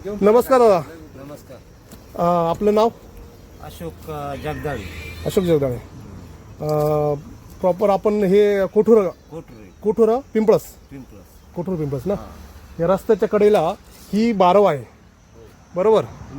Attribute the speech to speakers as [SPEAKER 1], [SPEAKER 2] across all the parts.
[SPEAKER 1] नमस्कार दादा.
[SPEAKER 2] नमस्कार.
[SPEAKER 1] आपलं नाव?
[SPEAKER 2] अशोक जगदाळे.
[SPEAKER 1] अशोक जगदाळे. प्रॉपर आपण हे कोठुरा
[SPEAKER 2] कोटरे
[SPEAKER 1] पिंपळस,
[SPEAKER 2] पिंपळस.
[SPEAKER 1] कोठूर पिंपळस ना. या रस्त्याच्या कडेला ही बारव आहे, बरोबर?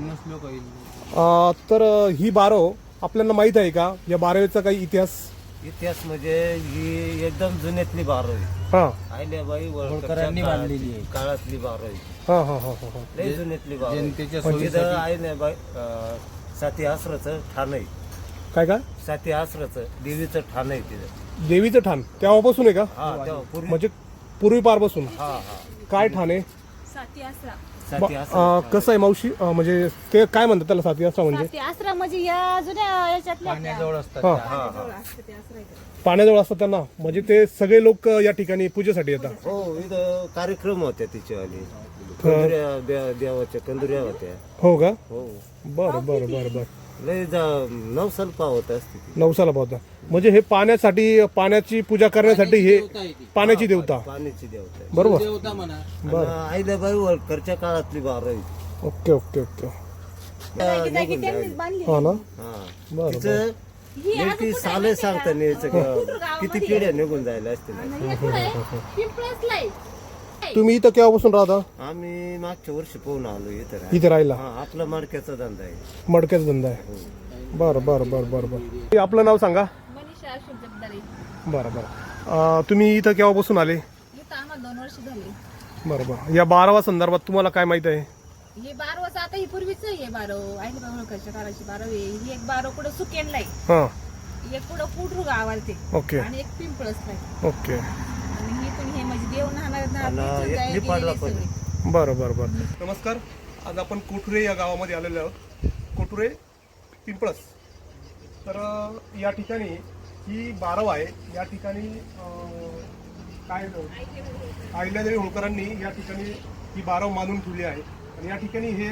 [SPEAKER 1] तर ही बारव आपल्याला माहित आहे का? या बारवेचा काही
[SPEAKER 2] इतिहास म्हणजे ही एकदम जुन्यातली बारावी.
[SPEAKER 1] हा
[SPEAKER 2] आहिल्याबाई होळकरांनी बांधलेली आहे. काळातली बारावी.
[SPEAKER 1] हा हा हा हा.
[SPEAKER 2] लय जुन्यातली बारावी. आहिल्याबाई साती आसराचं ठाण आहे.
[SPEAKER 1] काय काय?
[SPEAKER 2] साती आसराचं देवीचं ठाण आहे तिथं.
[SPEAKER 1] देवीचं ठाण तेव्हापासून आहे का?
[SPEAKER 2] हा तेव्हा पूर्वी.
[SPEAKER 1] म्हणजे पूर्वीपारपासून
[SPEAKER 2] हा हा.
[SPEAKER 1] काय ठाण आहे?
[SPEAKER 3] साती आसरा.
[SPEAKER 2] साती आसरा.
[SPEAKER 1] कसं आहे मावशी, म्हणजे ते काय म्हणतात त्याला? साती आसरा म्हणजे
[SPEAKER 3] साती आसरा म्हणजे या जुन्या याच्यातल्या
[SPEAKER 2] असतात.
[SPEAKER 1] हा.
[SPEAKER 2] हा हा.
[SPEAKER 3] असते ते आसरा इकडे.
[SPEAKER 1] पाण्याजवळ असतात त्यांना, म्हणजे ते सगळे लोक या ठिकाणी पूजेसाठी येतात.
[SPEAKER 2] हो इथं कार्यक्रम होत्या तिच्यावाली. कंदुऱ्या देवाच्या कंदुऱ्या होत्या.
[SPEAKER 1] हो का?
[SPEAKER 2] हो
[SPEAKER 1] बरं बरं बरं बरं.
[SPEAKER 2] लय नवसाला पावत असते ती.
[SPEAKER 1] नवसाला पावता म्हणजे हे पाण्यासाठी, पाण्याची पूजा करण्यासाठी हे पाण्याची देवता,
[SPEAKER 2] पाण्याची देवता आहे.
[SPEAKER 1] बरोबर?
[SPEAKER 2] आणि आहिल्याबाई होळकरच्या काळातली बारावी.
[SPEAKER 1] Okay okay okay.
[SPEAKER 3] जागी जागी त्यांनीच बांधली.
[SPEAKER 1] हा ना.
[SPEAKER 2] हा
[SPEAKER 1] बरं
[SPEAKER 2] तिचं
[SPEAKER 3] ही अजून
[SPEAKER 2] नेमकी
[SPEAKER 3] कुठं
[SPEAKER 2] साले
[SPEAKER 3] आहे
[SPEAKER 2] सांगता
[SPEAKER 3] माहिती
[SPEAKER 2] न्यायचं
[SPEAKER 3] आहे
[SPEAKER 2] का?
[SPEAKER 3] का?
[SPEAKER 2] किती पिढ्या निघून जायला असतील.
[SPEAKER 3] आणि हे कुठं आहे? पिंपळसला आहे.
[SPEAKER 1] तुम्ही इथं केव्हापासून राहता?
[SPEAKER 2] आम्ही मागच्या वर्षी पोहून आलो इथं
[SPEAKER 1] इथे राहायला?
[SPEAKER 2] हा आपला मडक्याचा धंदा आहे.
[SPEAKER 1] मडक्याचा धंदा आहे. बरं बरं बरं बरं बरं. आपलं नाव सांगा.
[SPEAKER 3] मनीषा अशोक जगदाळे.
[SPEAKER 1] बरं बरं. तुम्ही इथं केव्हापासून आले?
[SPEAKER 3] इथं आम्हाला 2 वर्ष झाले.
[SPEAKER 1] बरं बरं. या बारावा संदर्भात तुम्हाला काय माहित आहे?
[SPEAKER 3] हे 12 वर्ष आता ही पूर्वीच आहे. 12 आहिल्याबाई होळकरच्या काळाची 12 आहे. ही एक 12 कुठं सुकेनला आहे.
[SPEAKER 1] हां.
[SPEAKER 3] एक कुठं कुठरू गावाला ते.
[SPEAKER 1] ओके
[SPEAKER 3] आणि एक पिंपळसला आहे.
[SPEAKER 1] ओके.
[SPEAKER 3] आणि ही पण हे म्हणजे देव
[SPEAKER 2] आणि एक निपाडला पण.
[SPEAKER 1] बरं बरं बरं. नमस्कार. आज आपण कोठुरे या गावामध्ये आलेलो आहोत. कोठुरे पिंपळस. तर या ठिकाणी ही बारव आहे. या ठिकाणी काय अहिल्यादेवी होळकरांनी या ठिकाणी ही बारव मानून ठेवली आहे. आणि या ठिकाणी हे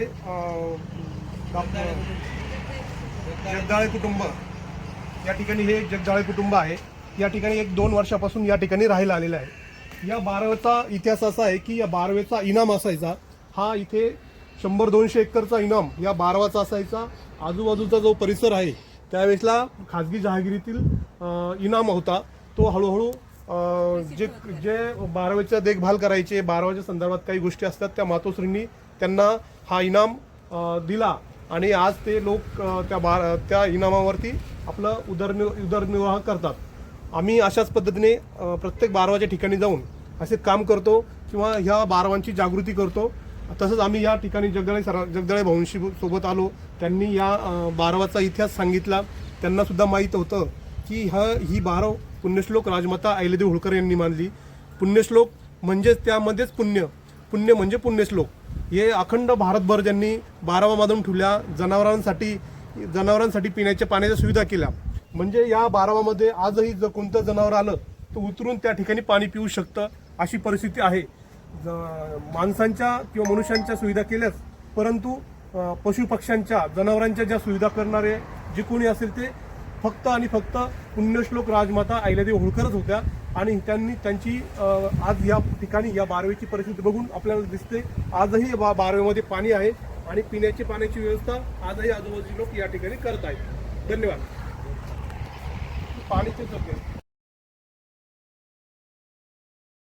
[SPEAKER 1] जगदाळे कुटुंब, या ठिकाणी हे जगदाळे कुटुंब आहे. या ठिकाणी 1-2 वर्षापासून या ठिकाणी राहायला आलेलं आहे. या बारवेचा इतिहास असा आहे की या बारवेचा इनाम असायचा. हा इथे 100-200 एकरचा इनाम या बारवाचा असायचा. आजूबाजूचा जो परिसर आहे त्यावेळेसला खाजगी जहागिरीतील इनाम होता. तो हळूहळू जे जे बारवेचा देखभाल करायचे, बारवाच्या संदर्भात काही गोष्टी असतात, त्या मातोश्रींनी त्यांना हा इनाम दिला. आणि आज ते लोक त्या इनामावरती आपलं उदरनिर्वाह करतात. आम्ही अशाच पद्धतीने प्रत्येक बारवाच्या ठिकाणी जाऊन असे काम करतो किंवा ह्या बारवांची जागृती करतो. तसंच आम्ही या ठिकाणी जगदाळे भाऊंशी सोबत आलो. त्यांनी या बारवाचा इतिहास सांगितला. त्यांना सुद्धा माहीत होतं की ही बारव पुण्यश्लोक राजमाता अहिल्यादेवी होळकर यांनी मानली. पुण्यश्लोक म्हणजेच त्यामध्येच पुण्य, पुण्य म्हणजे पुण्यश्लोक. हे अखंड भारतभर ज्यांनी बारवा मानून ठेवल्या. जनावरांसाठी पिण्याच्या पाण्याच्या सुविधा केल्या. म्हणजे या बारवामध्ये आजही जर कोणतं जनावर आलं तर उतरून त्या ठिकाणी पाणी पिऊ शकतं, अशी परिस्थिती आहे. माणसांच्या किंवा मनुष्यांच्या सुविधा केल्याच, परंतु पशुपक्ष्यांच्या, जनावरांच्या ज्या सुविधा करणारे जे कोणी असेल ते फक्त आणि फक्त पुण्यश्लोक राजमाता अहिल्यादेवी होळकरच होत्या. आणि त्यांची आज या ठिकाणी या बारवेची परिस्थिती बघून आपल्याला दिसते. आजही बारवेमध्ये पाणी आहे आणि पिण्याची पाण्याची व्यवस्था आजही आजूबाजूचे लोक या ठिकाणी करत आहेत. धन्यवाद. पाणीचे